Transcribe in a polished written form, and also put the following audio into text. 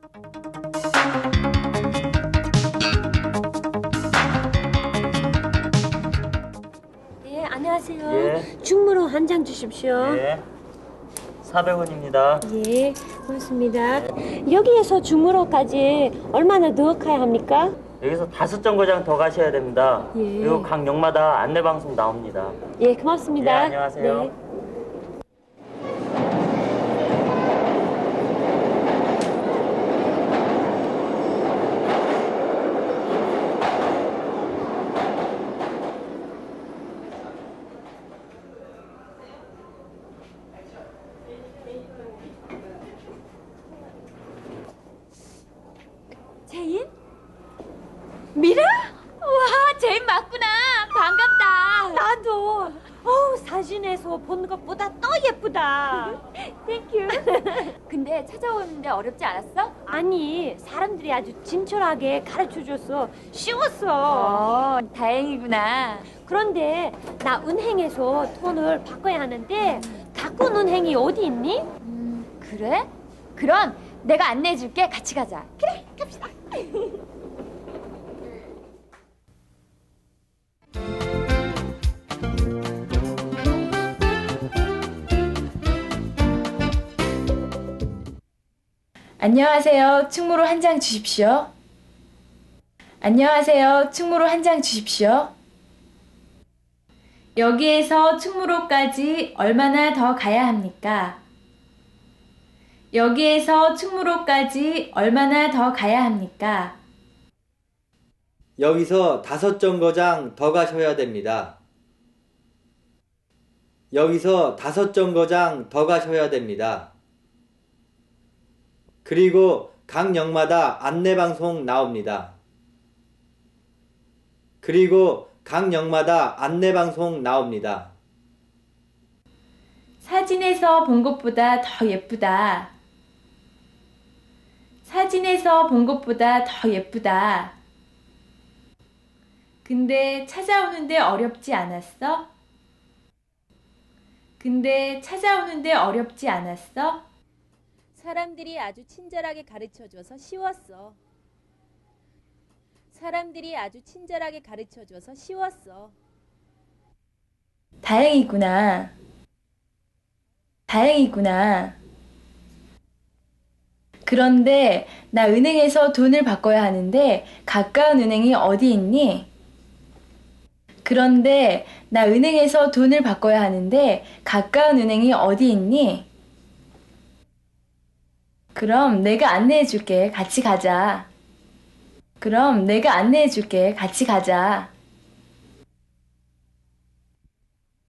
예, 안녕하세요. 예. 충무로 한 장 주십시오. 예. 400원입니다. 예, 고맙습니다. 여기에서 충무로까지 얼마나 더 가야 합니까? 여기서 5정거장 더 가셔야 됩니다. 예. 그리고 각 역마다 안내방송 나옵니다. 예, 고맙습니다. 예, 안녕하세요. 네. 제인? 미라? 와, 제인 맞구나. 반갑다. 나도 사진에서 본 것보다 더 예쁘다. 땡큐. 근데 찾아오는데 어렵지 않았어? 아니, 사람들이 아주 친절하게 가르쳐줘서 쉬웠어. 다행이구나. 그런데 나 은행에서 돈을 바꿔야 하는데 가꾼 은행이 어디 있니? 그래? 그럼 내가 안내해줄게. 같이 가자. 그래, 갑시다. 안녕하세요. 충무로 한 장 주십시오. 안녕하세요. 충무로 한 장 주십시오. 여기에서 충무로까지 얼마나 더 가야 합니까? 여기에서 충무로까지 얼마나 더 가야 합니까? 여기서 5정거장 더 가셔야 됩니다. 여기서 5정거장 더 가셔야 됩니다. 그리고 각 역마다 안내방송 나옵니다. 그리고 각 역마다 안내방송 나옵니다. 사진에서 본 것보다 더 예쁘다. 사진에서 본 것보다 더 예쁘다. 근데 찾아오는데 어렵지 않았어? 근데 찾아오는데 어렵지 않았어? 사람들이 아주 친절하게 가르쳐줘서 쉬웠어. 사람들이 아주 친절하게 가르쳐줘서 쉬웠어. 다행이구나. 다행이구나. 그런데 나 은행에서 돈을 바꿔야 하는데 가까운 은행이 어디 있니? 그런데 나 은행에서 돈을 바꿔야 하는데 가까운 은행이 어디 있니? 그럼 내가 안내해 줄게. 같이 가자. 그럼 내가 안내해 줄게. 같이 가자.